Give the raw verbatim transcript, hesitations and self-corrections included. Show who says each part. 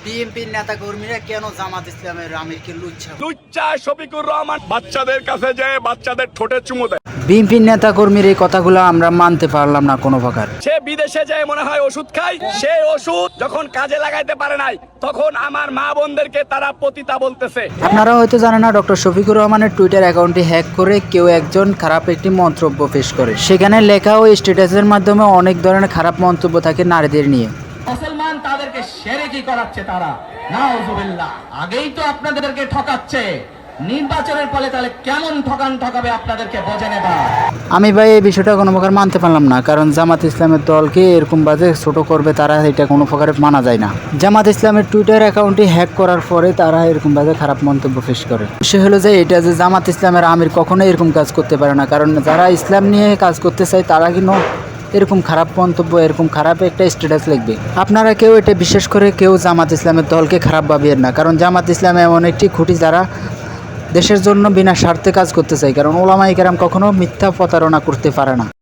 Speaker 1: বিএনপির নেতা কর্মীরা কেন জামাত ইসলামের আমিরকে লুচ্ছা
Speaker 2: লুচ্চা শফিকুর রহমান বাচ্চাদের কাছে যায় বাচ্চাদের ঠোঁটে চুমু দেয়।
Speaker 1: বিএনপির নেতা কর্মীর এই কথাগুলো আমরা মানতে পারলাম না কোনো প্রকার।
Speaker 2: সে বিদেশে যায় মনে হয় ওষুধ খায়, সেই ওষুধ যখন কাজে লাগাইতে পারে নাই তখন আমার মা বোনদেরকে তারা পতিতা বলতেছে।
Speaker 1: আপনারা হয়তো জানেন না, ডক্টর শফিকুর রহমানের টুইটার অ্যাকাউন্টটি হ্যাক করে কেউ একজন খারাপ একটি মন্তব্য পেশ করে। সেখানে লেখা ও স্ট্যাটাসের মাধ্যমে অনেক ধরনের খারাপ মন্তব্য থাকে নারীদের নিয়ে।
Speaker 3: মুসলমান তাদেরকে শিরকি করাচ্ছে তারা, নাউজুবিল্লাহ। আগেই তো আপনাদেরকে ঠকাচ্ছে, নির্বাচনের ফলে তাহলে কেমন ঠকান ঠকাবে আপনাদেরকে বোঝে নেবা।
Speaker 1: আমি ভাই এই বিষয়টা কোনো প্রকার মানতে পারলাম না, কারণ জামাত ইসলামের দলকে এরকম বাজে ছোট করবে তারা, এটা কোনো প্রকারে মানা যায় না। জামাত ইসলামের টুইটার অ্যাকাউন্টটি হ্যাক করার পরে তারা এরকম বাজে খারাপ মন্তব্য পেশ করে। সে হলো যে এটা যে জামাত ইসলামের আমির কখনো এরকম কাজ করতে পারে না, কারণ যারা ইসলাম নিয়ে কাজ করতে চায় তারা কিন্তু এরকম খারাপ মন্তব্য, এরকম খারাপ একটা স্ট্যাটাস লিখবে। আপনারা কেউ এটা বিশেষ করে কেউ জামাত ইসলামের দলকে খারাপ ভাবিয়েন না, কারণ জামাত ইসলাম এমন একটি খুঁটি যারা দেশের জন্য বিনা স্বার্থে কাজ করতে চায়, কারণ ওলামায়ে কেরাম কখনো মিথ্যা প্রতারণা করতে পারে না।